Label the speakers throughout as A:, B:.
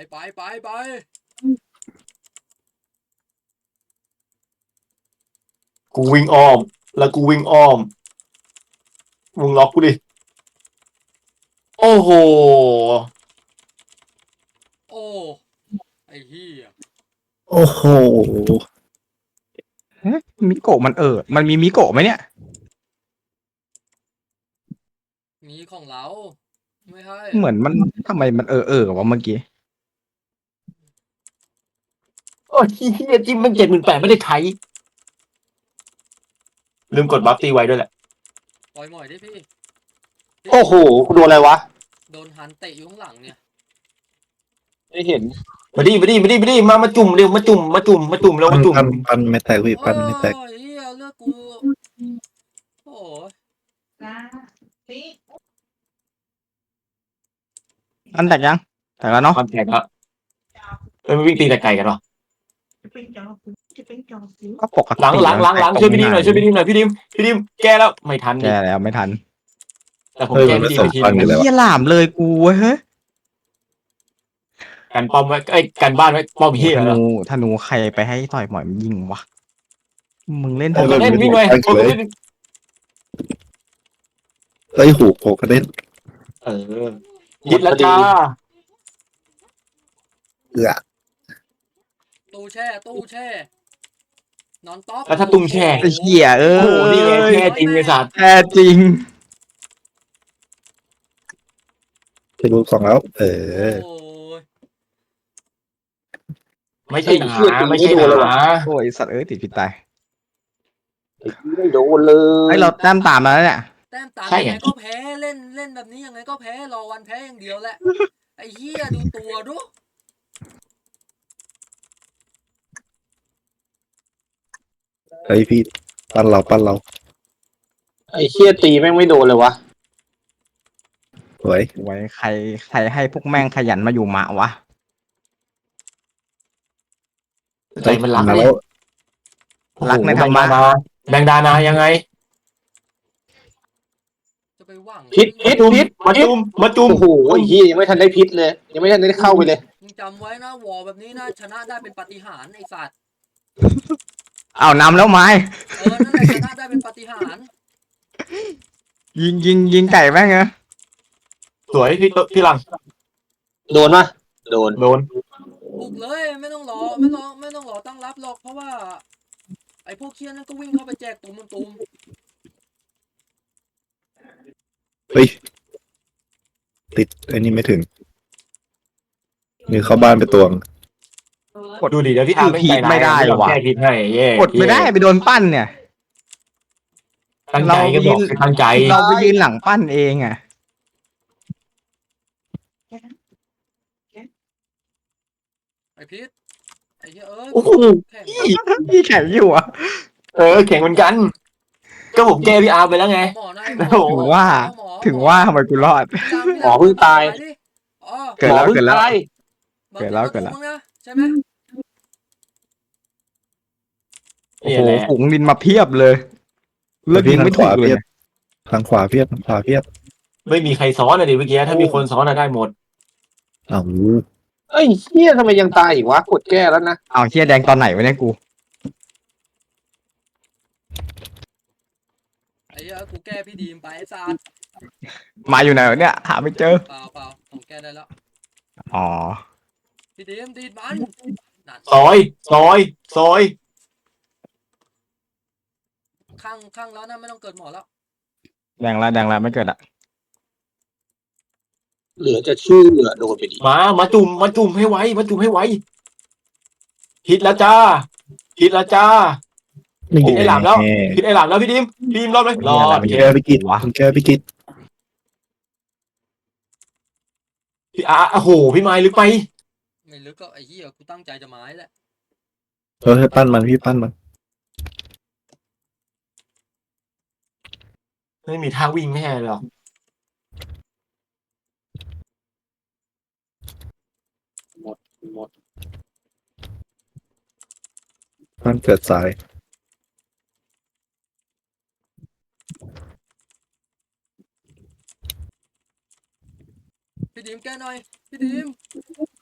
A: ไป
B: กูวิ่งอ้อมแล้วกูวิ่งอ้อมมึงล็อกกูดิโอ้โห
A: โอ้ไอ้เหี้ย
C: โอ้โห
D: มิโกะมันมีมิโกะไหมเนี่ย
A: มีของเราไม่ให้
D: เหมือนมันทำไมมันวะเมื่อกี้
B: โอ้ยเฮียจิ้มมัน78,000ไม่ได้ใช้ลืมกดบัฟตีไว้ด้วยแหละ
A: ปล่อยหมอยดิพี่
E: โอ้โหโดนอะไรวะ
A: โดนหันเตะอยู่ข้างหลังเนี่ย
E: ไม่เห็น
B: มาดิมาจุ่มเร็วมาจุ่มแล้วมาจุ่ม
C: ปั้นไม่แตกพี่ปั้นไม่แตก
A: โอ้ยเหี้ยเลือกกูโอ้ย
D: อันแตกยังแตกแล้วเนาะ
B: ความแข็งอะมันวิ่งตีแต่ไก่กันหรอ
D: ก็ปกติ
B: หลังช่วยพี่ดิมหน่อยพี่ดิมแก้แล้วไม่ทัน
D: แกแล้วไม่ทัน
B: แต่ผมแก้พี่ดิมไปทีนึง
D: เฮียหลามเลยกูเฮ้ย
B: กันป้อมไว้กันบ้านไว้ป้อมเฮียแล้ว
D: ธนูใครไปให้ต่อยหมอยมันยิงวะมึงเล่น
B: ผมก็เล่นวิ่งเลยผมก็เล่น
C: เอ้ยหูโผล่กระเด็น
B: ยิดแล้วจ้า
C: เอือ
A: ตู้แช่นอนต๊อก
B: แล้วถ้าตุ้มแช่
D: ไอ้เหี้ยเอ้
B: โอ้โหนี่ไงแช่จริงไอ้สัตว์
D: แท้จริง
C: จะรูปสองแล้ว
A: โอ้ย
B: ไม่ใช่หนาไม่ใช่หนา
D: โอ้ยสัตว์ติดผิดตาย
E: ไม่โดนเลย
D: ไอ้เราแต้มตามมาแล้วเนี่ย
A: แต้มตามยังไงก็แพ้เล่นแบบนี้ยังไงก็แพ้รอวันแพ้อย่างเดียวแหละไอ้เหี้ยดูตัวดู
C: เฮ้ยพี่ปั้นเรา
E: ไอ้เชี่ยตีแม่งไม่โดนเลยวะ
C: สวย
D: ไว้ใครให้พวกแม่งขยันมาอยู่หมาวะ
B: ใจมันรัก
C: มา
B: เล
C: แล้
B: ยว
D: รักในธรรมะ
B: แบงดานายังไง
A: จะไปหวัง
E: พิษ
B: มาจุ่ม
E: โอ้โหไอ้เหี้ยยังไม่ทันได้พิษเลย ยังไม่ทันได้เข้าไปเลย
A: มึงจำไว้นะวอแบบนี้นะชนะได้เป็นปาฏิหาริย์ไอ้สัตว์
D: อ้าวนำแล้วไม้
A: นั่นแหละชนะได้เป็นปาฏิหาริย์
D: ยิงไก่แม่งเหรอ
B: สวยพี่หลัง
E: โดนปะโดน
B: โดน
A: บุกเลยไม่ต้องรอตั้งรับหรอกเพราะว่า ไอ้พวกเคียนั่นก็วิ่งเข้าไปแจกตุ่ม
C: เฮ้ยติดไอ้นี่ไม่ถึงนี่เข้าบ้านไปตวง
B: ดูดิเดี๋ยวพี่อาร์ไม่ใจร้ายแก้พิษให้เย่
D: กดไม่ได้ไปโดนปั้นเนี่ย
B: ตั้งใจก็บอกตั้งใจ
D: เราไปยืนหลังปั้นเองอ่ะ
A: ไอ้พิษไอ้เหี้ย
B: โอ้โห
A: แข่ง
D: พี่แข่งอยู่อ่ะ
B: แข่งเหมือนกัน ก็ผมแก้พี่อาร์ไปแล้วไง
A: หมอนะ
D: ถึงว่าทำไมกูรอด
E: หมอเพิ่งตาย
D: เกิดแล้ว
E: หมอพิ่งตาย
A: ใช่ไหม
D: โอ้โหฝูงดินมาเพียบเลยเลือกยิงไม่ถูกเลย
C: ทางขวาเพียบ
B: ไม่มีใครซ้อนเลยดิเมื่อกี้ถ้ามีคนซ้อนได้หมด
C: อ้าว
E: เอ้ยเหี้ยทำไมยังตายอีกวะกดแก้แล้วนะ
D: เอาเฮียแดงตอนไหนวะเนี่ยกู
A: ไอ้เหี้ยกูแก้พี่ดีมไปไอ้สัตว์
D: มาอยู่ไหนวะเนี่ยหาไม่เจอ
A: เปล่าผมแก้ได้แล้ว
D: อ๋อ
A: พี่ดีมดีดมันนั่น
B: ซอย
A: ข้างแล้วนะไม่ต้องเกิดหมอแล้ว
D: แดงละไม่เกิดอ่ะ
E: เหลือจะชื่อโดนไปดิ
B: มาจุ่มให้ไวฮิตแล้วจ้าฮิตไอ้หลามแล้วพี่ดิมรอดไหมรอด
C: แก้พิกิตแก้พิกิต
B: พี่อาร์โอ้โหพี่ไม้ลึกไป
A: ไม่ลึกก็ไอ้เหี้ยกูตั้งใจจะไม้แหละ
C: ให้ปั้นมันพี่ปั้นมัน
B: ไม่มีท่าวิ่งไม่ใช่หรอ
E: หมด
C: ปั้นเกิดสาย
A: พี่ดีมแก้หน่อยพี่ดีม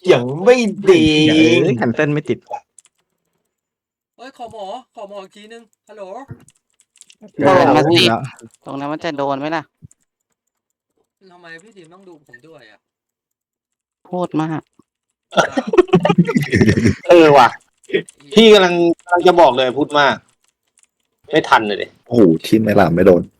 B: อย่างไม่ดี
D: แคนเซิลไม่ติด
A: เฮ้ยขอหมออีกทีนึงฮัลโหล
F: เดินมาสิ
D: แล้ว
F: ตรงนั้นมันจะโดนไหมล่ะ
A: ทำไมพี่ดิมต้องดูผมด้วยอ่ะ
F: พูดมาก
E: ว่ะ พี่กำลังจะบอกเลยพูดมาก ไม่ทันเลยดิ
C: โอ้โหทีมไม่หลามไม่โดน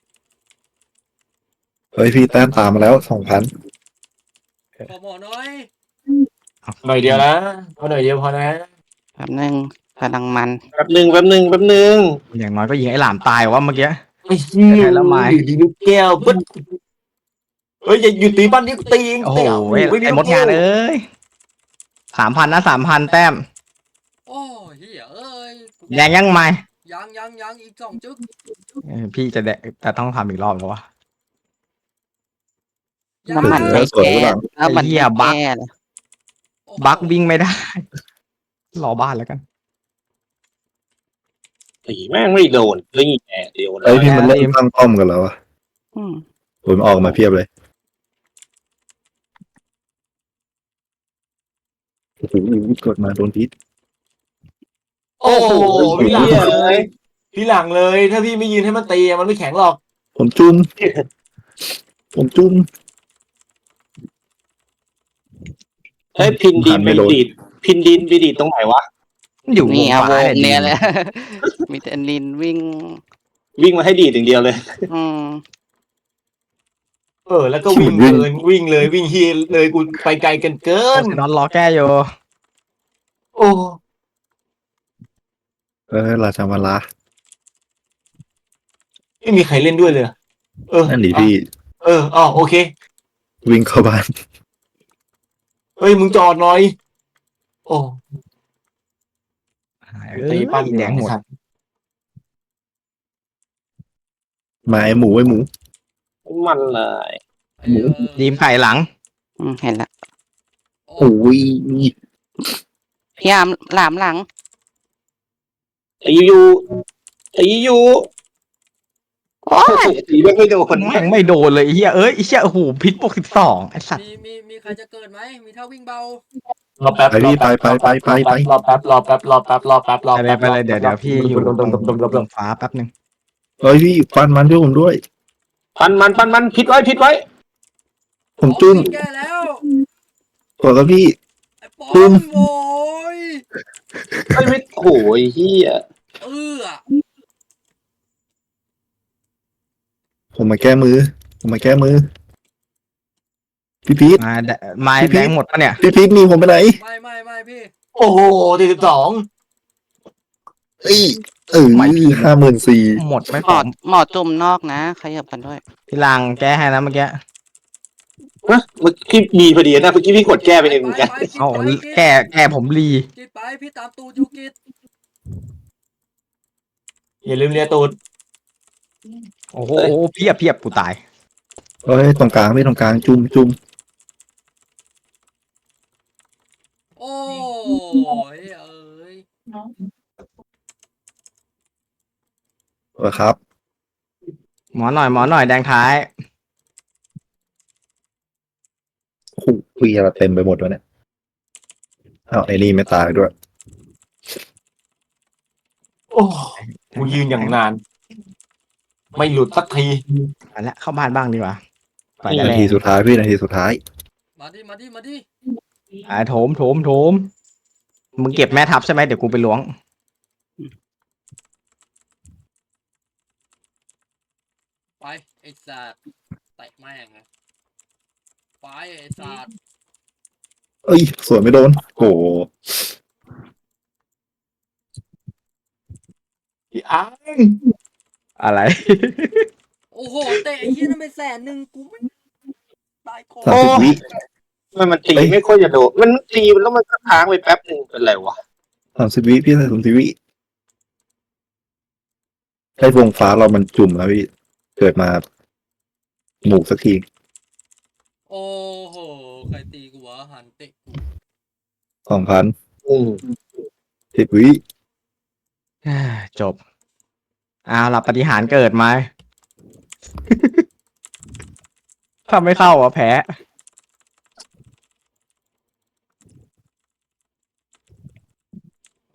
C: เฮ้ยพี่แต้มตามมาแล้ว2,000
A: ขอหมอน้อย
B: หน่อยเดียวนะพอหน่อยเดียวพอนะ
F: แป๊บนึงกำลังมัน
E: แป๊บหนึ่ง
D: อย่างน้อยก็ยิงไอ้หลามตายว่าเมื่อกี้
B: ไอ้เหี้ย
D: แพ้แล้วไม้
B: อยู่ดีลูกแก้วปึ๊ดเฮ้ยอย่าหยุดตีบ้านนี้กูตีเอง
D: โอ้โห
B: เตะ
D: ไอ้มดงานเอ้ย3,000นะ3,000แต้ม
A: โอ้เฮียเอ้ย
D: แดงยังไม่
A: ยังอีก2 จึ๊ก
D: พี่จะแดงแต่ต้องทำอีกรอบแล้ววะ
F: น้ำมัน
C: แล้
F: ไม่
C: วสวย
F: แก้
C: หรือเปล่า
F: น้ำมัน
D: ไอ้เหี้ย
F: ไม่
D: บั๊ก
F: แก้เลย
A: โอ้โห
D: บักวิ่งไม่ได้ รอบ้านแล้วกัน
E: ตีแม่งไม่โดนเลยแง่เดียวเล
C: เฮ้ย
E: ย
C: พี่มันเริ่มตั้งป้อมกันแล้วอะ
F: อืม
C: ผมออกมาเพียบเลยโอ้โหกดมาโดนพิษ
B: โอ้โหพี่หลัง
E: เหี้ย
B: เลยพี่หลังเลย ถ้าพี่ไม่ยืนให้มันตีมันไม่แข็งหรอก
C: ผมจุ่มผมจุ่ม
E: เฮ้ยพินดินไปดีดตรงไหนวะ
D: อยู่
F: นี่
D: ว
F: เอา
D: ง
F: ว
D: ฟ้าง
F: เนี่ย
D: ดี
F: เลย มีแต่ลินวิ่ง
E: วิ่งมาให้ดีดอย่างเดียวเลย
F: อืม
B: แล้วก็วิ่งเลยวิ่งฮีเลยกูไปไกลกันเกิน
D: นอนรอแก้อยู่
B: โอ้
C: ราชามาลา
B: ไม่มีใครเล่นด้วยเลยเออ
C: นั่นดิพี่
B: โอเค
C: วิ่งเข้าบ้าน
B: เฮ้ยมึงจอดหน่อยโอ้
D: เอ้ย
B: ตีปั้น
D: แดงหมด
C: มาไอ้หมู
E: มันเลย
C: หมู
D: ดีมไข่หลัง
F: อืมเห็นละ
C: โอ้ย
F: พี่ยามหลามหลัง
E: ตีอยู่โอ้ยตีแม่งไม่โดน
D: แม่งไม่โดนเลยไอ้เหี้ยไอ้เหี้ยโอ้โหพิษบวก12ไอ้สัตว์
A: มีใครจะเกิดไหมมีท่าวิ่งเบาร
B: อแป๊บ
C: ไปพี่ไป
B: รอแป๊บ
D: ไปเลยเดี๋ยวพี่อยู่ตรงฟ้าแป๊บนึง
C: เฮ้ยพี่ฟันมันด้วยผมด้วย
E: ปันมันพิดไว้
C: ผมจุ่ม
A: แก้แล้ว
C: กดแล้วพี่
A: ไอ้ปอ
C: จุ่ม
A: มโว้ย
E: ไม่โอ้ยเฮีย
A: เออ
C: ผมมาแก้มือพี่พีท
D: ไม้แดงหมดปะเนี่ย
C: พี่พีทมีผมไปไหน
A: ไม่พี่
B: โอ้โห42
C: เอ้ย54,000
D: หมดไม่
F: ห
D: พ
F: ม
D: อ
F: อหมอจุ่มนอกนะขยับกันด้วย
D: พี่ลังแก้ให้นะเมื่อกี้
E: เมื่อกี้มีพอดีนะเมื่อกี้พี่กดแก้ไปเองเหมือนกัน
D: เอาแก้ผมรี
A: กิดไปพี่ตามตูดยูกิด
B: อย่าลืมเลียตูด
D: โอ้โหเพียบกูตาย
C: เฮ้ยตรงกลางจุ่ม
A: โอ้ยเอ้ย
C: ครับ
D: หมอหน่อยแดงท้าย
C: โอ้โหคุยอะไรเต็มไปหมดวะเนี่ยเอาไอ้นี่ไม่ตายด้วย
B: โอ้กูยืนอย่างนาน ไม่หลุดสักที
D: ไปแล้วเข้าบ้านบ้างดีกว่าไป
C: นา
D: แล้ว
C: ทีสุดท้ายพี่นาทีสุดท้าย
A: มาดิ
D: โถมมึงเก็บแม่ทับใช่ไหมเดี๋ยวกูไปล้วง
A: ไปไอ้สัตว์แตะแม่งไปไอ้สัตว์
C: เอ้ยสวยไม่โดนโอ้โห
B: พี่อ้าง
D: อะไร
A: โอ้โหเตะไอ้เหี้ยนั่นไป100,000กูไม่ตายคอ
C: 30 วิ
E: มันตีไม่ค่อยจะโดนมันตีแล้วมันก็ค้างไปแป๊บหนึ่งเป็นไรวะ
C: 30 วิพี่30 วิให้วงฟ้าเรามันจุ่มแล้วพี่เกิดมาหมูสักที
A: โอ้โหใครตีกูวะหันเตะกู
C: 2,000 10 วิ
D: จบเอาล่ะปฏิหารย์เกิดไหม ถ้าไม่เข้าแพ้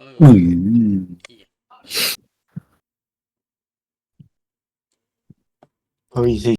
A: อ
C: อืม
B: เฮ้ยสิ